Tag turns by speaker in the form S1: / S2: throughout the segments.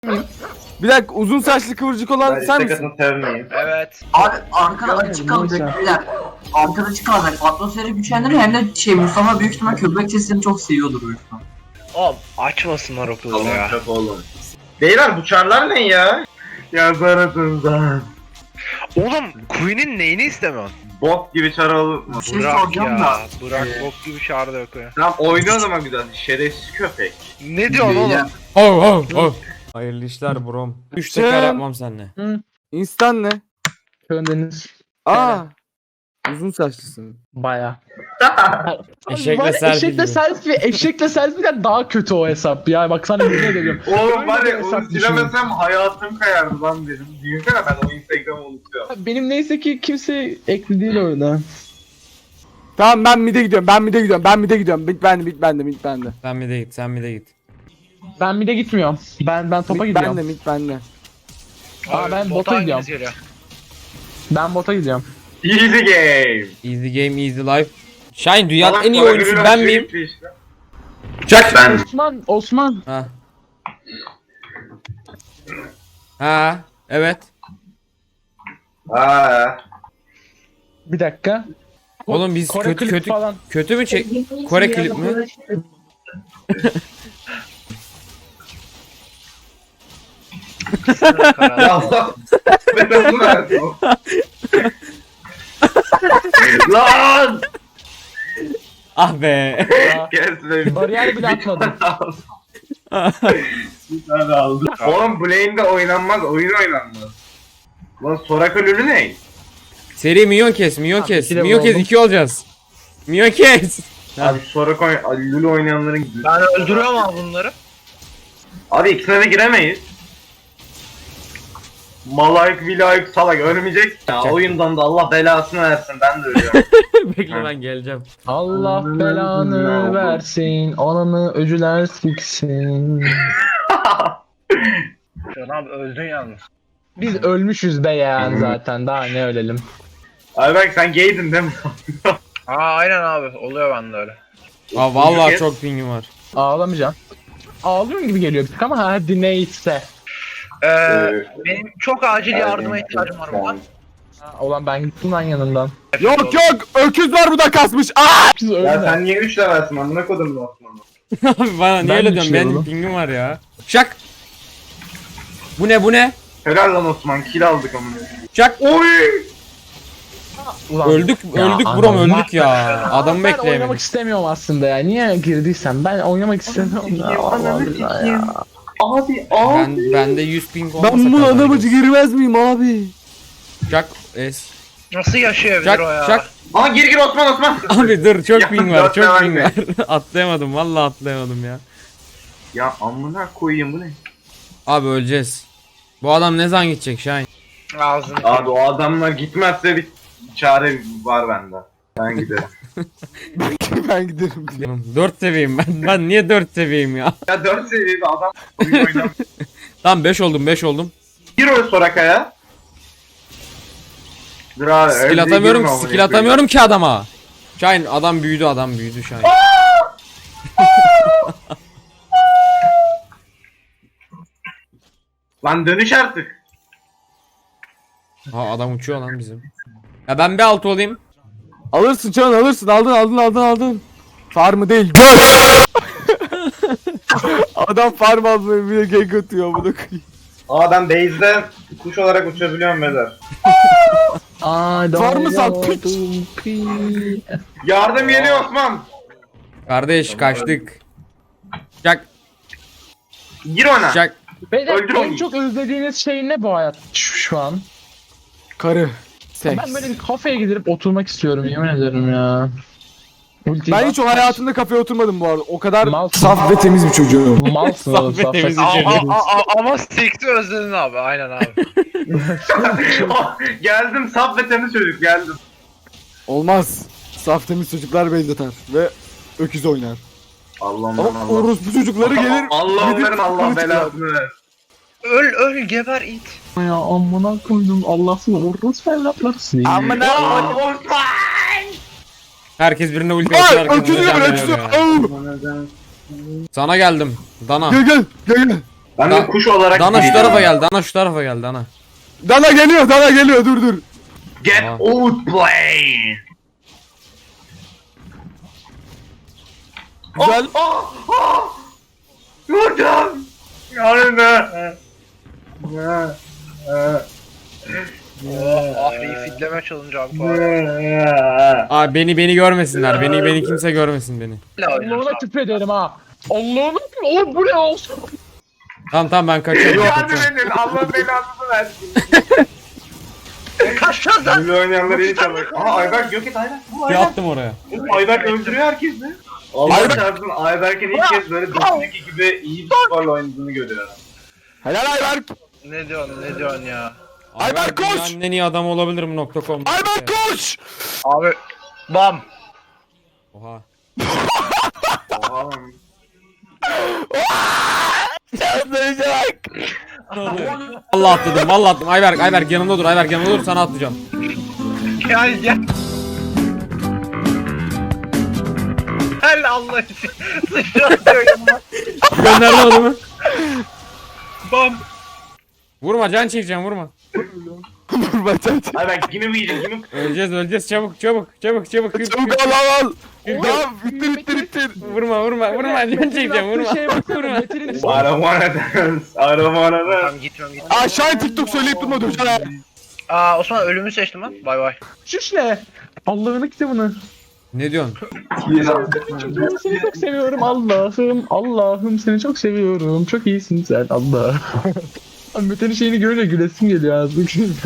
S1: Bir dakika, uzun saçlı kıvırcık olan sen misin?
S2: Sevmeyeyim.
S3: Evet.
S4: Abi arkada açık kalacak beyler. Arkada açık kalacak. Atmosferi güçlendirir hem de Mustafa büyük ihtimal köpek sesini çok seviyordur büyük ihtimal.
S3: Oğlum açmasınlar o kızı ya.
S2: Çok oğlum. Beyler bu çarlar ne ya? Yazarısından.
S3: Oğlum Queen'in neyini istemiyorsun?
S2: Bok gibi çar olur mu?
S4: Bir şey
S3: Bırak
S4: soracağım
S3: ya.
S4: da.
S3: Bırak bok gibi çağrı da yok ya.
S2: Tamam oyna o zaman güzel. Şerefsiz köpek.
S3: Ne diyorsun oğlum?
S5: Hayırlı işler brom. 3
S1: Şey-
S5: teker yapmam seninle.
S1: İnstan ne?
S6: Köndeniz
S1: Aa. Uzun saçlısın.
S6: baya.
S5: Eşekle selfie gibi.
S6: Eşekle selfie'den daha kötü o hesap ya. Bak sana yemin ediyorum.
S2: Oğlum var ya
S6: Öyle
S2: onu
S6: hesap
S2: silemesem hayatım kayardı lan benim. Düşünsene ben o Instagram'ı unutuyorum.
S6: Benim neyse ki kimse ekli değil orada.
S1: Tamam, ben mid'e gidiyorum. Bit bende.
S5: Sen mi de git, sen mi de git.
S6: Ben bir de gitmiyorum. Ben topa gidiyorum.
S1: Mid bende.
S6: Aa, ben bota gidiyorum. Ben bota gidiyorum.
S2: Easy game.
S5: Easy game, easy life. Shine dünyanın
S2: Salak
S5: en iyi
S2: salak
S5: oyuncusu
S2: ürün
S5: ben
S2: açıyor
S5: miyim?
S2: gitti işte.
S5: Çak!
S2: Ben.
S6: Osman.
S5: Ha. Ha, evet.
S2: Aa.
S6: Bir dakika.
S5: Oğlum biz
S6: Kore
S5: kötü
S6: klip
S5: kötü
S6: falan.
S5: kötü mü çek? Kore klip mi?
S2: Ya Allah. Ben onu verdim. Lan.
S5: Ah be.
S2: Gelsin.
S6: Bariyer bile atmadım.
S2: Bir tane aldım. Oğlum Blade'de oynanmaz, oyun oynanmaz. Lan Soraka Lülü ne?
S5: Seri minyon kes, minyon kes.
S6: iki de
S5: Minyon kes
S6: oldum.
S5: 2 olacağız. Minyon kes.
S2: Abi Soraka Lülü oynayanların...
S3: Ben öldürüyorum abi bunları.
S2: Abi ikisine de giremeyiz. Malayık, vilayık, salak ölmeyecek. Ya oyundan da Allah belasını versin, ben de ölüyorum.
S5: Bekle ben geleceğim.
S6: Allah belanı versin. Ananı öcüler siksin.
S3: Can abi öldün yalnız.
S6: Biz ölmüşüz be yani zaten. Daha ne ölelim.
S2: Abi bak sen gaydin değil mi?
S3: Aa aynen abi oluyor bende öyle.
S5: Aa vallahi çok pingim var.
S6: Ağlamayacağım. Ağlıyorum gibi geliyor bir tık ama hadi neyse.
S3: Benim çok acil yardıma ihtiyacım var buradan.
S6: Olan ben gittim lan yanından.
S1: Yok, öküz var bu da kasmış. Aa!
S6: Siz
S2: Ya
S6: ölme.
S2: sen niye 3 levelsin amına kodum Osman'ı?
S5: Abi bana niye
S6: Ben
S5: öyle
S6: de
S5: diyorsun?
S6: şey
S5: Benim
S6: oğlum.
S5: pingim var ya. Şak. Bu ne?
S2: Helal lan Osman, kill aldık amına.
S5: Şak.
S2: Oy!
S6: Ulan.
S5: Öldük
S6: Ya
S5: brom
S6: anam.
S5: öldük ya. Adamı
S6: Ben oynamak
S5: bekleyemedik.
S6: istemiyorum aslında ya. Niye girdiysem ben oynamak istemiyorum ya. Vallahi billahi ya.
S2: Abi
S5: Bende 100 ping olmasa
S1: Ben bu
S5: kazanırız.
S1: anamacı girmez miyim abi?
S5: Şak. Es.
S3: Nasıl yaşayabilir
S5: Şak
S3: o ya?
S5: şak.
S2: Aa gir Osman.
S5: Abi dur çok
S2: Ya,
S5: ping var
S2: dört
S5: çok
S2: level
S5: ping
S2: mi?
S5: var. Atlayamadım vallahi atlayamadım ya.
S2: Ya amına koyayım bu ne?
S5: Abi öleceğiz. Bu adam ne zaman gidecek Şahin?
S3: Ağzını.
S2: Abi o adamlar gitmezse bir çare var bende. Ben giderim.
S1: Ben giderim diye.
S5: 4 seviyeyim ben. Ben niye 4 seviyeyim ya?
S2: Ya 4 seviyede adam oyun oynamıyor.
S5: Tamam 5 oldum.
S2: Gir o Soraka'ya. Dur abi.
S5: Skill
S2: öyle
S5: atamıyorum
S2: girme
S5: ki, skill
S2: amına
S5: atamıyorum ki adama. Şahin adam büyüdü Şahin.
S2: Lan dönüş artık.
S5: Ha adam uçuyor lan bizim. Ya ben bir altı olayım.
S1: Alırsın Can, alırsın. Aldın. Farmı değil, gör. Adam farm almıyor, bir de gank atıyor bunu.
S2: Aa ben base'de kuş olarak uçabiliyorum beyler.
S1: Var mı sen piç?
S2: Yardım geliyor Osman.
S5: Kardeş kaçtık. Şak
S2: Gir ona.
S5: şak.
S6: Beyler
S2: Öldür
S6: en
S2: onu.
S6: çok özlediğiniz şey ne bu hayat şu an?
S1: Karı. Seks.
S6: Ben böyle bir kafeye gidip oturmak istiyorum yemin ederim ya. Ulti
S1: Ben hiç o hayatımda kafeye oturmadım bu arada. O kadar
S6: Malsın.
S1: saf ve temiz bir çocuğum.
S6: Malsın oğlum.
S5: Saf ve temiz
S3: Ama sikti özledin abi aynen abi.
S2: Geldim saf ve temiz çocuk geldim.
S1: Olmaz. Saf temiz çocuklar benzeter ve öküz oynar.
S2: Allah'ım
S1: Ama orospu çocukları gelir.
S2: Allah
S1: gidip
S2: onların Allah
S1: kılıç
S2: belasını ver.
S3: Öl geber it.
S6: Ya amına koydum Allah'sın orospu evlatlarısın.
S1: Amına
S2: Osman!
S5: Herkes birine ulti
S1: Ay
S5: atıyor.
S1: öküzü
S5: arkamızdan
S1: gör
S5: dönüyor
S1: öküzü.
S5: ya.
S1: Au!
S5: Sana geldim. Dana.
S1: Gel.
S2: Ben de kuş olarak
S5: Dana şu
S2: gideceğim.
S5: tarafa gel. Dana şu tarafa gel Dana.
S1: Dana geliyor dur.
S2: Get
S5: Aa.
S2: outplayed.
S1: Güzel.
S2: Vurdum. Yanında.
S3: Ahri'yi fitleme challenge abi.
S5: Abi beni görmesinler. Beni kimse görmesin beni.
S6: Allah'ına küfrederim ha. Allah'ına oğlum bu ne olsun?
S5: Tamam ben kaçıyorum.
S2: Yardım edin. Allah belanızı versin.
S3: Kaçacağız lan.
S2: Böyle oynayanlar iyi çalıyor. Aa Ayberk yok et Ayberk. Bu
S5: Ne
S2: Ayberk.
S5: yaptım oraya?
S2: Oğlum Ayberk öldürüyor herkesi. Allah çarpsın Ayberk'in ilk kez böyle Destiny gibi iyi bir skorla oynadığını görüyorum.
S1: Helal Ayberk.
S3: Ne diyorsun ya?
S1: Ayber koş!
S5: Dünyanın en iyi adamı olabilir mi .com?
S1: Ayberk koş!
S3: Abi. Bam.
S5: Oha.
S2: Oğlum.
S5: Vallahi atladım. Ayberk yanımda dur. Ayberk yanımda dur, sana atlayacağım.
S3: Gel. Gel Allah için. Sıçratıyor yanıma.
S5: Gönderdim adamı.
S3: Bam.
S5: Vurma, can çekeceğim, vurma.
S2: Ayberk yine mi yiyecek yine mi?
S5: Öleceğiz, çabuk.
S1: Çabuk al. Tamam bitir.
S5: Vurma, can çekeceğim, vurma. Vurma.
S2: I don't wanna dance. I don't wanna dance.
S3: Tamam gitmem.
S1: Aşağı TikTok söyleyip durma dur.
S3: Aa Osman ölümü seçtim lan. Bay bay.
S6: Şuş ne? Allah'ını kitabını.
S5: Ne diyorsun?
S6: Seni çok seviyorum Allah'ım seni çok seviyorum. Çok iyisin sen Allah. Abi Mete'nin şeyini görünce gülesim geliyor artık.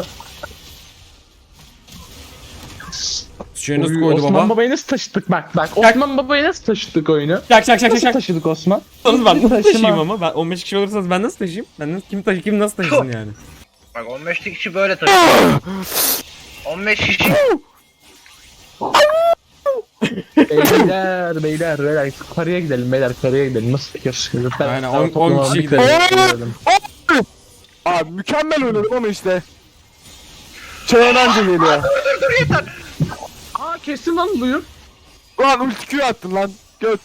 S5: Suçu nasıl koydu
S6: Osman
S5: baba?
S6: Baba'yı nasıl taşıdık bak. Osman Baba'yı nasıl taşıdık oyunu?
S5: Çak.
S6: Nasıl taşıdık Osman?
S5: Ben nasıl
S6: Taşıma.
S5: taşıyayım ama? Ben 15 kişi olursanız ben nasıl taşıyayım? Kim nasıl taşısın yani?
S3: Bak 15 kişi böyle taşıyor. 15 kişi.
S6: Beyler karıya gidelim nasıl yaşıyoruz?
S5: Aynen, 10 kişi
S6: gidelim.
S1: Abi mükemmel oynadım ama işte. Çayan anca geliyor.
S6: Aa kesin lan buyur.
S1: Lan ulti Q attın lan. Göt.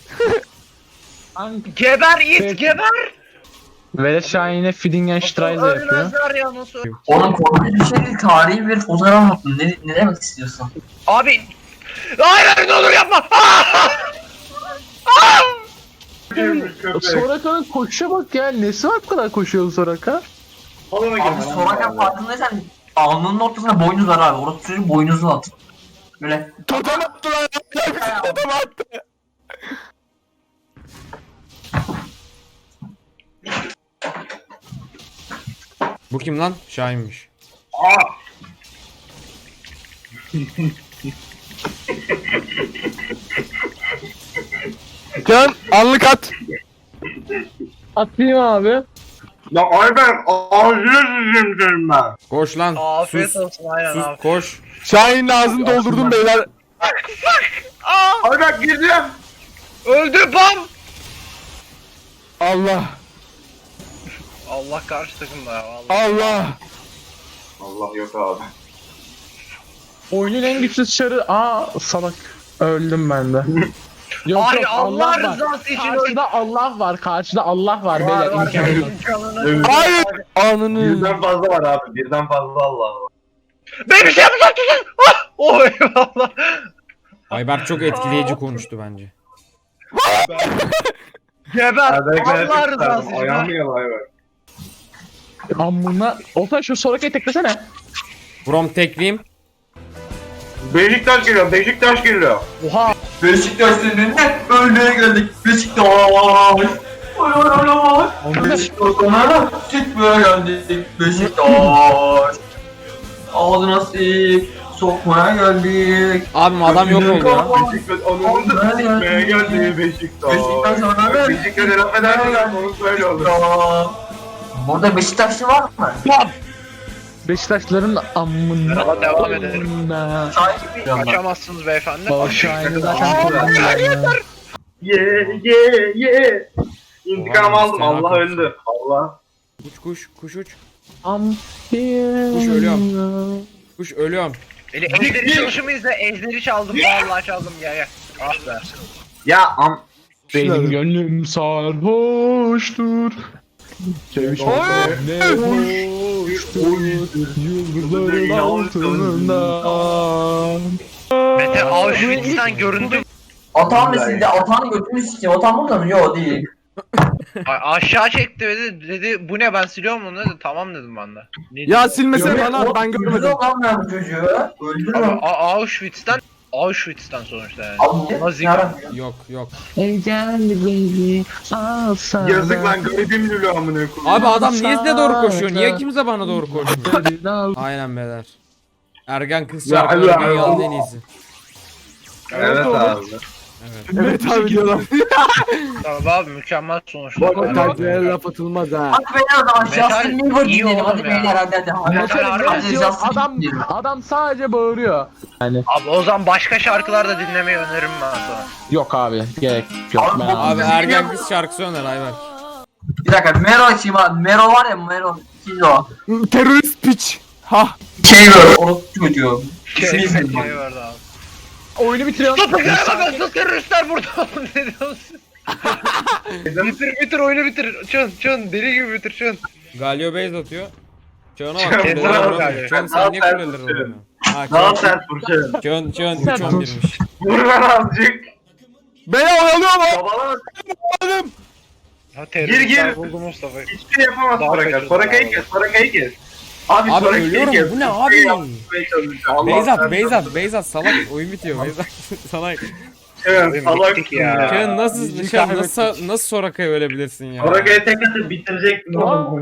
S3: Geber it
S6: Evet.
S3: geber.
S6: Velet Şahin'e Fidingenstreise yapıyor.
S3: Ölmezler ya nasıl?
S4: Oğlum korkunç bir şey değil. Tarihi bir fotoğraf attın. Ne demek istiyorsun?
S3: Abi. Hayır ne olur yapma.
S6: Soraka'nın koşuşa bak ya. Nesi var bu kadar koşuyor Soraka?
S4: Abi Soraka farkındaysan alnının ortasına boynuz var abi. Orası çocuğun boynuzu at. Böyle
S1: Totem attı lan. Totem attı.
S5: Bu kim lan? Şahin'miş.
S1: Can anlık at.
S6: Atlayayım abi.
S2: Ya Ayberk ağzını sıçayım ben.
S5: Koş lan.
S3: Afiyet
S5: Sus.
S3: olsun aynen
S5: Sus,
S3: abi.
S5: koş.
S1: Şahin'in ağzını doldurdum beyler.
S2: Ayberk gireceğim.
S3: Öldü bam.
S1: Allah.
S3: Allah karşı takımda ya vallahi.
S1: Allah.
S2: Allah yok abi.
S6: Oyunun en güçlü çarı. Salak. Öldüm ben de. Yok
S3: Abi
S6: yok
S3: Allah
S6: var.
S3: rızası için öldü.
S6: Karşıda Allah var beyler. imkanı yok.
S3: İmkanını.
S1: Hayır. Anını.
S2: Birden fazla var abi. Birden fazla Allah var.
S3: Ben bir şey yapacağım tutun. Oh eyvallah.
S5: Ayberk çok etkileyici konuştu bence.
S3: Geber.
S2: Ayberk
S3: Allah rızası için.
S2: Ayağımı yala Ayberk.
S6: Amına. Olsan şu Soraka'yı teklesene.
S5: From tekleyeyim.
S2: Beşiktaş geliyor.
S6: Oha.
S4: Beşiktaş'ın önüne ölmeye geldik. Beşiktaş. Beşiktaş'ına çıkmaya geldik. Beşiktaş. Ağzına sik. Sokmaya geldik.
S5: Abim adam yok oldu ya.
S2: Beşiktaş onun da sikmeye geldi Beşiktaş.
S4: Beşiktaş ona ver.
S2: Beşiktaş'a laf edersen onu söyle olur.
S4: Burada Beşiktaşlı var mı?
S6: Beşiktaşların amına.
S3: Devam edelim.
S6: Amına.
S3: Kaçamazsınız beyefendi.
S6: Baba Şahin'i zaten kullanmıyor.
S2: Ye. İntikam
S5: Oha,
S2: aldım.
S5: fena
S2: Allah
S5: korktum.
S2: öldü. Allah.
S5: Kuş uç.
S6: Kuş
S5: ölüyorum. Kuş ölüyorum.
S3: Ejderi çalışımı izle. Ejderi çaldım. Vallahi çaldım ya. Ah be.
S2: Ya
S6: Benim gönlüm sarhoştur. Çevişme ne hoştur yıldızların altından.
S3: Mete Auschwitz'ten göründü.
S4: Atan mısın de Atan'ın götünü sikeyim. Atan burada mı? Yok değil.
S3: Aşağı çekti ve dedi bu ne ben siliyorum bunu dedi. Tamam dedim ben de. Ne
S1: Ya
S3: diyor?
S1: silmesene bana ben
S4: Öldürürüm
S1: görmedim.
S4: lan ben bu çocuğu. Öldürürüm.
S3: Ama Auschwitz'ten sonuçta yani.
S4: Abi
S3: Nazi
S4: yarabbim.
S5: Yok yok.
S2: Yazık lan garibim Lülü amına koyayım.
S5: Abi adam niye size doğru koşuyor? Niye kimse bana doğru koşmuyor? Aynen beyler. Ergen kız
S2: Ya
S5: şarkıları
S2: Allah.
S5: dünyanın en iyisi.
S2: Evet abi.
S1: Evet abi diyorlar.
S3: Tamam abi mükemmel sonuçlar.
S1: Bak kalplere laf atılmaz ha.
S4: Hadi beyler o zaman
S3: Metal
S4: Justin Bieber
S3: iyi
S4: dinleyelim.
S3: oğlum
S4: Hadi
S3: ya.
S4: beyler hadi.
S3: Metal harbi
S4: Hadi
S6: Diyor,
S4: Justin
S6: adam
S4: dinleyelim.
S6: adam sadece bağırıyor. Yani
S3: Abi o zaman başka şarkılar da dinlemeyi öneririm ben sana.
S6: yok abi gerek yok.
S4: Abi,
S6: Ben
S5: Abi ergen kız şarkısı öner Ayber.
S4: Bir dakika Mero açayım abi. Mero var ya Mero. Kimdi o?
S1: Terörist piç. Ha.
S4: Şey böyle orospu çocuğu. İsmi
S3: Şey
S4: izledim.
S3: vardı abi.
S6: oyunu bitiriyorum.
S3: Sus teröristler burada. Ne diyorsun? bitir oyunu bitir. Çön deli gibi bitir çön.
S5: Galio base atıyor. Çağına
S2: Çağına
S5: bak.
S3: bak.
S5: Çağına Çağın sen niye
S2: Daha
S5: kuleleri
S2: sert
S5: alıyorsun? Ha
S2: Daha
S5: Çağın.
S2: sert vuracağım.
S5: Çağın 3-11'miş.
S2: Vur lan azıcık.
S1: Beni oyalıyor mu?
S2: Babala
S3: Ha teröristler
S2: Gir.
S3: buldu Mustafa.
S2: hiçbir şey yapamaz
S3: Daha
S2: Soraka.
S3: kaçırdı
S2: Soraka'yı
S3: abi.
S2: kes. Soraka'yı kes. Abi
S5: Abi
S2: Soraka'yı
S5: ölüyorum,
S2: kes.
S5: bu ne
S2: Soraka'yı
S5: abi?
S2: yapmaya çalışıyor. Allah
S5: Beyzat,
S2: sen-
S5: Beyzat salak oyun bitiyor Beyzat. Salak.
S2: Evet, salaksın
S3: Bittik ya.
S5: Çağın nasıl
S1: Bizi
S5: Çağın
S1: kaybettik.
S5: nasıl Soraka'ya ölebilirsin ya?
S2: Soraka'yı tek atıp bitirecektin oğlum.